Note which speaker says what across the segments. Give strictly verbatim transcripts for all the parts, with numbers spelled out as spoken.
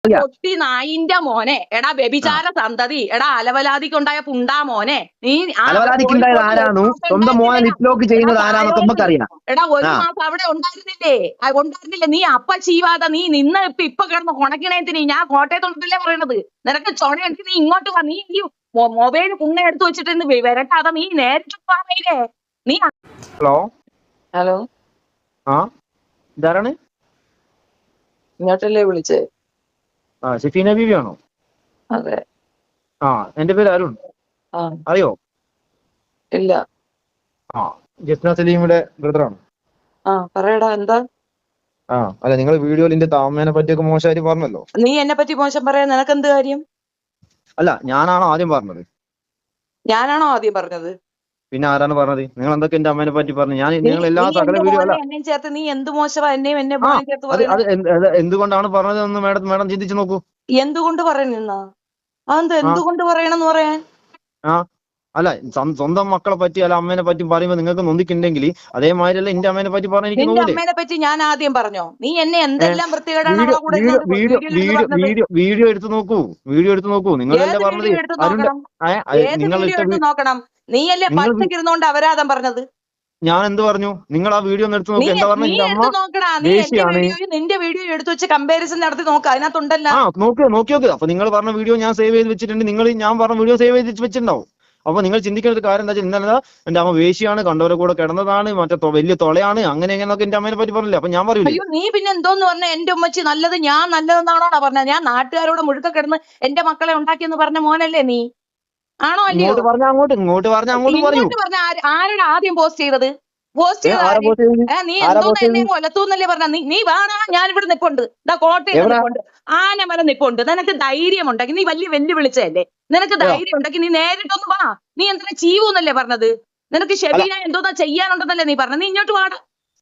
Speaker 1: പൊട്ടി നായിന്റെ മോനെ, എടാ വ്യഭിചാര സന്തതി, എടാ അലവലാതിക്കുണ്ടായ പുണ്ടാ മോനെ, നീ
Speaker 2: അലവലാതിക്കുണ്ടായത് ആരാണു? സ്വന്തം മോനെ ലിപ്ലോക്ക് ചെയ്യുന്നത് ആരാന്നൊക്കെ നമുക്കറിയാം.
Speaker 1: എടാ ഒരു മാസം അവിടെ ഉണ്ടായിരുന്നില്ലേ? ഉണ്ടായിരുന്നില്ലേ? നീ അപ്പ ചീവാത നീ നിന്ന് ഇപ്പൊ ഇപ്പൊ കിടന്ന് കൊണക്കണേത്തിന് ഞാൻ കോട്ടയത്തോട്ടല്ലേ പറയണത്. നിനക്ക് ചൊണയെടുത്ത് നീ ഇങ്ങോട്ട് വാ. നീ ഈ മൊബൈൽ കുണ്ണ എടുത്ത് വെച്ചിട്ട് വരട്ടാതെ നീ നേരിട്ട് പോയില്ലേ നീ.
Speaker 2: ഹലോ
Speaker 3: ഹലോ,
Speaker 2: ആ ഇതാരാണ്?
Speaker 3: ഇങ്ങോട്ടല്ലേ വിളിച്ചേ?
Speaker 2: ആ ഷെഫീന ബീവി ആണോ?
Speaker 3: അതെ.
Speaker 2: ആ എന്റെ പേര് അരുൺ.
Speaker 3: ആ
Speaker 2: അറിയോ?
Speaker 3: ഇല്ല.
Speaker 2: ആ ജസ്ന സലീമിയുടെ ബ്രദറാണ്.
Speaker 3: ആ പറയടാ, എന്താ?
Speaker 2: ആ അല്ല, നിങ്ങൾ വീഡിയോയിൽ എന്റെ താമേനെ പറ്റിയൊക്കെ മോശമായിട്ട് പറഞ്ഞല്ലോ.
Speaker 3: നീ എന്നെ പറ്റി മോശം പറയാൻ നിനക്ക് എന്ത് കാര്യം?
Speaker 2: അല്ല, ഞാനാണോ ആദ്യം പറഞ്ഞത്?
Speaker 3: ഞാനാണോ ആദ്യം പറഞ്ഞത്?
Speaker 2: പിന്നെ ആരാണ് പറഞ്ഞത്? നിങ്ങൾ എന്തൊക്കെ എന്റെ അമ്മേനെ പറ്റി പറഞ്ഞു? ഞാൻ നിങ്ങൾ എല്ലാ സകല വീഡിയോ അല്ല
Speaker 3: എന്നെയും ചേർത്ത് നീ എന്ത് മോശമാ എന്നെയും എന്നെ ചേർത്ത്
Speaker 2: അത് അത്
Speaker 3: പറയുന്നത്?
Speaker 2: എന്തുകൊണ്ടാണ് പറഞ്ഞത് എന്ന് മേഡം മേഡം ചിന്തിച്ചു നോക്കൂ.
Speaker 3: എന്തുകൊണ്ട് പറയുന്ന അതെന്താ? എന്തുകൊണ്ട് പറയണമെന്ന് പറയാൻ?
Speaker 2: ആ അല്ല, സ്വന്തം മക്കളെ പറ്റി അല്ല അമ്മേനെ പറ്റി പറയുമ്പോൾ നിങ്ങൾക്ക് നൊന്തിക്കുണ്ടെങ്കിൽ അതേമാതിരി അല്ല എന്റെ അമ്മേനെ പറ്റി പറഞ്ഞ എനിക്ക്
Speaker 3: നിന്റെ അമ്മേനെ പറ്റി ഞാൻ ആദ്യം പറഞ്ഞോ? നീ എന്നെ എന്തെല്ലാം വൃത്തികേടാണ് അവളെ കൂടെ
Speaker 2: വീഡിയോ വീഡിയോ വീഡിയോ എടുത്ത് നോക്കൂ. വീഡിയോ എടുത്ത് നോക്കൂ. നിങ്ങളല്ലേ പറഞ്ഞത്
Speaker 3: നിങ്ങൾ നോക്കണം. നീയല്ലേ പച്ചക്ക് ഇരുന്നോണ്ട് അപരാധം പറഞ്ഞത്?
Speaker 2: ഞാൻ എന്ത് പറഞ്ഞു? നിങ്ങൾ ആ വീഡിയോ ഒന്ന് എടുത്ത് നോക്കി. എന്താ പറഞ്ഞു?
Speaker 3: നിന്റെ വീഡിയോ എടുത്ത് വെച്ച് കമ്പാരിസൺ നടത്തി നോക്ക്, അതിനകത്തുണ്ടല്ലോ.
Speaker 2: ആ നോക്കി നോക്കി നോക്ക്. അപ്പൊ നിങ്ങൾ പറഞ്ഞ വീഡിയോ ഞാൻ സേവ് ചെയ്ത് വെച്ചിട്ടുണ്ട്. നിങ്ങൾ ഞാൻ പറഞ്ഞ വീഡിയോ സേവ് ചെയ്ത് വെച്ചിട്ടുണ്ടാവും. അപ്പൊ നിങ്ങൾ ചിന്തിക്കുന്ന ഒരു കാര്യം എന്താ വെച്ചാൽ ഇന്നലെ എന്റെ അമ്മ വേശിയാണ്, കണ്ടവരെ കൂടെ കിടന്നതാണ്, മറ്റേ വലിയ തൊളയാണ്, അങ്ങനെ എങ്ങനെയൊക്കെ എന്റെ അമ്മേനെ പറ്റി പറഞ്ഞില്ല. അപ്പൊ ഞാൻ പറയില്ല.
Speaker 3: അയ്യോ, നീ പിന്നെ എന്തോന്ന് പറഞ്ഞ? എന്റെ ഉമ്മച്ചി നല്ലത് ഞാൻ നല്ലതെന്നാണോ പറഞ്ഞത്? ഞാൻ നാട്ടുകാരോട് മുഴുക്ക കിടന്ന് എന്റെ മക്കളെ ഉണ്ടാക്കിയെന്ന് പറഞ്ഞ മോനല്ലേ നീ? ആണോ അല്ലയോ?
Speaker 2: ഇങ്ങോട്ട് പറഞ്ഞ അങ്ങോട്ട് ഇങ്ങോട്ട് പറഞ്ഞ അങ്ങോട്ട് പറയൂ.
Speaker 3: പറഞ്ഞ ആരാണ് ആദ്യം പോസ്റ്റ് ചെയ്തത്? പോസ്റ്റ് ചെയ്ത നീ എന്തോന്ന് എന്നെ കൊലത്തൂന്നല്ലേ പറഞ്ഞ? നീ നീ വേണോ? ഞാൻ ഇവിടെ നിപ്പുണ്ട്, ഇതാ കോട്ടയം നിപ്പുണ്ട്, ആനമല നിപ്പുണ്ട്. നിനക്ക് ധൈര്യം ഉണ്ടെങ്കിൽ നീ വലിയ വെല്ലു വിളിച്ചതല്ലേ, നിനക്ക് ധൈര്യം ഉണ്ടെങ്കിൽ നീ നേരിട്ടൊന്ന് വാ. നീ എന്തിനാ ചീവൂന്നല്ലേ പറഞ്ഞത്? നിനക്ക് ഷെബീന എന്തോന്നാ ചെയ്യാനുണ്ടെന്നല്ലേ നീ പറഞ്ഞത്? നീ ഇങ്ങോട്ട് വാടാ.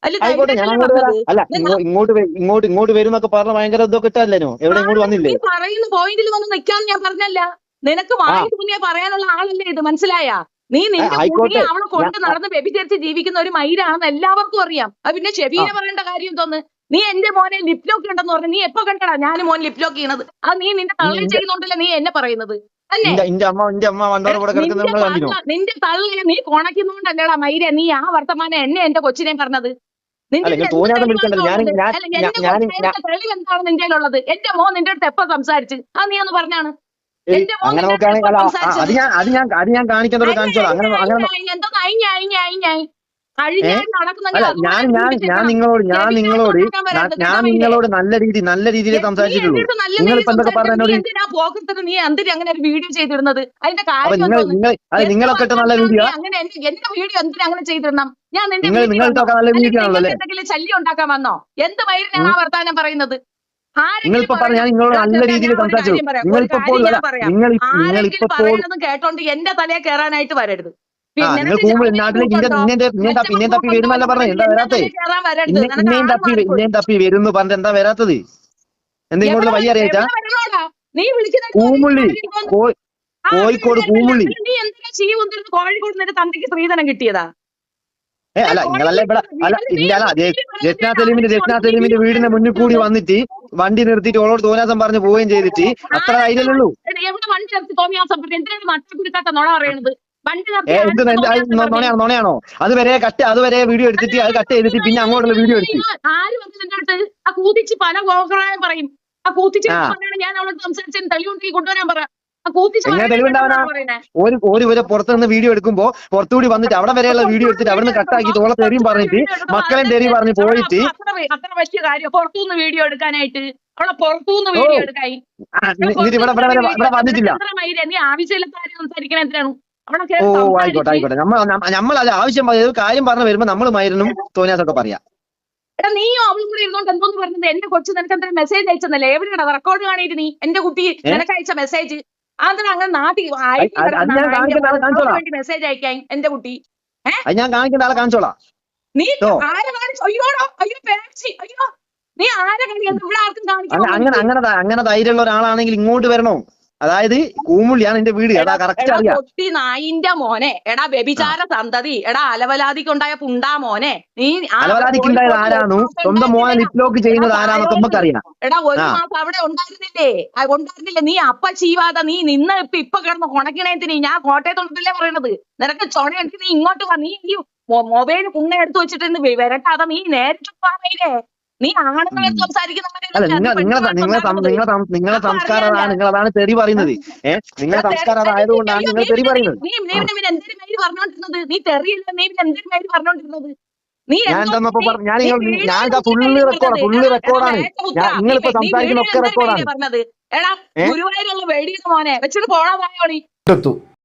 Speaker 2: അല്ല, ഇങ്ങോട്ട് ഇങ്ങോട്ട് ഇങ്ങോട്ട് വരുന്നൊക്കെ പറഞ്ഞ ഭയങ്കര ഇതൊക്കെ ഇട്ടല്ലോ. എവിടെ ഇങ്ങോട്ട് വന്നില്ലേ?
Speaker 3: നീ പറയുന്ന പോയിന്റിൽ വന്ന് നിൽക്കാന്ന് ഞാൻ പറഞ്ഞല്ല. നിനക്ക് വായി തോന്നിയാ പറയാനുള്ള ആളല്ലേ ഇത്, മനസ്സിലായാ? നീ നിന്റെ കുട്ടിയെ അവളെ കൊണ്ട് നടന്ന് വ്യഭിചരിച്ച് ജീവിക്കുന്ന ഒരു മയിലാണെന്ന് എല്ലാവർക്കും അറിയാം. അത് പിന്നെ ഷെബീന പറയേണ്ട കാര്യം തോന്നുന്നു. നീ എന്റെ മോനെ ലിപ്ലോക്ക് ഉണ്ടെന്ന് പറഞ്ഞു. നീ എപ്പോ കണ്ടടാ ഞാൻ മോൻ ലിപ്ലോക്ക് ചെയ്യണത്? അത് നീ നിന്റെ തള്ളി ചെയ്യുന്നുണ്ടല്ലേ നീ എന്നെ പറയുന്നത് അല്ലേ? നിന്റെ തള്ളിയെ നീ കൊണക്കുന്നുണ്ടല്ലേടാ മയിലെ നീ ആ വർത്തമാനം എന്നെ എന്റെ കൊച്ചിനെ പറഞ്ഞത്? തെളിവ് എന്താണ് നിന്റെ ഉള്ളത്? എന്റെ മോൻ നിന്റെ അടുത്ത് എപ്പോ സംസാരിച്ച്? അത് നീ ഒന്ന് പറഞ്ഞാണ്.
Speaker 2: അങ്ങനെ നോക്കുകയാണെങ്കിൽ അത് ഞാൻ അത് ഞാൻ അത് ഞാൻ കാണിക്കാൻ കാണിച്ചോളാം. അങ്ങനെ അങ്ങനെ അല്ല, ഞാൻ ഞാൻ ഞാൻ നിങ്ങളോട് ഞാൻ നിങ്ങളോട് ഞാൻ നിങ്ങളോട് നല്ല രീതി നല്ല രീതിയിൽ സംസാരിച്ചിട്ടുള്ളൂ. നിങ്ങളിപ്പോ എന്തൊക്കെ പറഞ്ഞോട്
Speaker 3: നീ എന്തിനാ അങ്ങനെ ഒരു വീഡിയോ ചെയ്തിരുന്നത്? അതിന്റെ കാര്യം
Speaker 2: നിങ്ങളൊക്കെ നല്ല വീഡിയോ
Speaker 3: അങ്ങനെ എന്റെ വീഡിയോ എന്തിനാ അങ്ങനെ ചെയ്തിരണം? ഞാൻ
Speaker 2: നിങ്ങൾ നിങ്ങൾക്കൊക്കെ നല്ല വീഡിയോ ആണല്ലോ.
Speaker 3: എന്തെങ്കിലും ശല്യം ഉണ്ടാക്കാൻ വന്നോ? എന്ത് മയിലിനാണ് ആ വർത്താനം പറയുന്നത്?
Speaker 2: നിങ്ങളിപ്പോ പറഞ്ഞ ഞാൻ നിങ്ങളോട് നല്ല രീതിയിൽ സംസാരിച്ചു. നിങ്ങളിപ്പോ
Speaker 3: പറയുന്നതും കേട്ടോണ്ട് എന്റെ തലയെ കയറാനായിട്ട് വരരുത്.
Speaker 2: നിങ്ങൾ കൂമ്പിൾ നാട്ടിലേക്ക് ഇന്നെ തപ്പി ഇന്നേം തപ്പി വരുന്നല്ല പറഞ്ഞത്. എന്താ വരാത്തത്? ഇന്നേം തപ്പി ഇന്നേം തപ്പി വരുന്നു പറഞ്ഞത് എന്താ വരാത്തത്? എന്താ ഇങ്ങോട്ട് വഴി അറിയാച്ചാ? കൂമുള്ളി കോഴിക്കോട് കൂമുള്ളി.
Speaker 3: നീ എന്തിനാ ചീ കൊണ്ടിരുന്ന് കോഴിക്കോട് നിന്റെ തന്തയ്ക്ക് സ്ത്രീധനം കിട്ടിയതാ?
Speaker 2: ഏ അല്ല, നിങ്ങളല്ല ഇവിടെ അല്ല ഇല്ല ജസ്ന സലീമിന്റെ ജസ്ന സലീമിന്റെ വീടിന്റെ മുന്നിൽ കൂടി വന്നിട്ട് വണ്ടി നിർത്തിയിട്ട് ഓളോട് തോന്നിയാസം പറഞ്ഞ് പോവുകയും ചെയ്തിട്ട് അത്ര ധൈര്യമുള്ളൂ.
Speaker 3: എവിടെ വണ്ടി നിർത്തി തോന്നിയാസം എന്തിനാണ് മറ്റൊരുക്കാത്ത നുണ പറയണത്?
Speaker 2: നുണയാണോ നുണയാണോ? അതുവരെ കട്ട് അതുവരെ വീഡിയോ എടുത്തിട്ട് അത് കട്ട് ചെയ്തിട്ട് പിന്നെ അങ്ങോട്ടുള്ള വീഡിയോ എടുത്തു.
Speaker 3: ആര് പറഞ്ഞിട്ട് ആ കൂത്തിച്ച് പല കോക്കറായും പറയും. ആ കൂത്തിച്ച് ഞാൻ അവളോട് സംസാരിച്ചതിന് തെളിവുണ്ടെങ്കിൽ കൊണ്ടുവരാൻ പറ.
Speaker 2: എങ്ങനെ തെളിവുണ്ടാവാനാ? ഒരു ഒരു വരെ പുറത്തുനിന്ന് വീഡിയോ എടുക്കുമ്പോ പുറത്തുകൂടി വന്നിട്ട് അവിടെ വരെയുള്ള വീഡിയോ എടുത്തിട്ട് അവിടെ നിന്ന് കട്ടാക്കി തോളെ തെറിയും പറഞ്ഞിട്ട് മക്കളെ തെറിയും പറഞ്ഞ് പോയിട്ട്
Speaker 3: അത്ര വലിയ കാര്യം പുറത്തുനിന്ന് വീഡിയോ എടുക്കാനായിട്ട് അവളെ പുറത്തുനിന്ന് വീഡിയോ എടുക്കായി
Speaker 2: ഇവിടെ ഇവിടെ വന്നിട്ടില്ല.
Speaker 3: നീ ആവശ്യമില്ലാത്ത കാര്യം സംസാരിക്കണ എന്തിനാണ്?
Speaker 2: ഓ ആയിക്കോട്ടെ ആയിക്കോട്ടെ. നമ്മൾ നമ്മളത് ആവശ്യം കാര്യം പറഞ്ഞു വരുമ്പോ നമ്മൾ മൈരനും തോന്നിയാസൊക്കെ പറയാം.
Speaker 3: എടാ നീയോ അവളും കൂടെ ഇരുന്നോണ്ട് എന്തോന്ന് പറഞ്ഞത്? എന്റെ കൊച്ചു നിനക്ക് എന്താ മെസ്സേജ് അയച്ചെന്നല്ലേ? എവിടെയാണ് റെക്കോർഡ് കാണിയിട്ട് നീ എന്റെ കുട്ടി നിനക്ക് അയച്ച മെസ്സേജ്? അതിന് അങ്ങനെ നാട്ടിൽ മെസ്സേജ് അയക്കാൻ എന്റെ കുട്ടി
Speaker 2: ഞാൻ കാണിക്കുന്ന ആളെ കാണിച്ചോളാം.
Speaker 3: നീ ആരെ കാണിച്ചു? അയ്യോടോ അയ്യോ പേടിച്ച് അയ്യോ നീ ആരെ കാണിക്കുന്നത്? ഇവിടെ ആർക്കും കാണിക്കണം.
Speaker 2: അങ്ങനെ അങ്ങനെ അങ്ങനെ ധൈര്യമുള്ള ഒരാളാണെങ്കിൽ ഇങ്ങോട്ട് വരണോ? അതായത് കൂമുള്ളിയാണ് എന്റെ വീട്. എടാ കറക്റ്റ് അറിയാം.
Speaker 3: പൊട്ടി നായിന്റെ മോനെ, എടാ വ്യഭിചാര സന്തതി, എടാ അലവലാതിക്കുണ്ടായ പുണ്ടാ മോനെ, നീ
Speaker 2: അലവലാതിക്കുണ്ടായത് ആരാണോ? സ്വന്തം മോനെ ലിപ്ലോക്ക് ചെയ്യുന്നത് ആരാണോ നമുക്കറിയാം.
Speaker 3: എടാ ഒരു മാസം അവിടെ ഉണ്ടായിരുന്നില്ലേ? ഉണ്ടായിരുന്നില്ല. നീ അപ്പ ചീവാതെ നീ നിന്ന് ഇപ്പൊ ഇപ്പൊ കിടന്ന് കൊണക്കണേത്തിന് ഞാൻ കോട്ടയത്തോണ്ടല്ലേ പറയണത്. നിനക്ക് ചൊണയെടുത്ത് നീ ഇങ്ങോട്ട് വാ. നീ ഈ മൊബൈൽ കുണ്ണ എടുത്ത് വെച്ചിട്ട് വരട്ടാതെ നീ നേരിട്ട് പോവാമേലേ. നീ ആണുങ്ങളെ സംസാരിക്കുന്ന
Speaker 2: അല്ല നിങ്ങൾ നിങ്ങളെ നിങ്ങളെ നിങ്ങളെ നിങ്ങളെ സംസ്കാരം അതാണ്. നിങ്ങൾ അതാണ് തെറി പറയുന്നത്. ഏഹ് നിങ്ങളെ സംസ്കാരം അതായതുകൊണ്ടാണ് നിങ്ങൾ തെറി പറയുന്നത്.
Speaker 3: നീ പിന്നെ എന്തൊരു പേര് പറഞ്ഞോണ്ടിരുന്നത്? നീ തെറിയില്ല. നീ പിന്നെ എന്തൊരു പേര് പറഞ്ഞോണ്ടിരുന്നത്? നീ
Speaker 2: ഞാൻ എന്താ ഞാൻ ഞാൻ ഇതാ ഫുള്ള് റെക്കോർഡ് ഫുള്ള് റെക്കോർഡാണ്. നിങ്ങളിപ്പോ സംസാരിക്കുന്ന ഒക്കെ റെക്കോർഡാണ്.
Speaker 3: പറഞ്ഞത് എടാ ഗുരുവായൂരുള്ള വെടിയുടെ മോനെ വെച്ചിട്ട് പോണാ പോയോളി.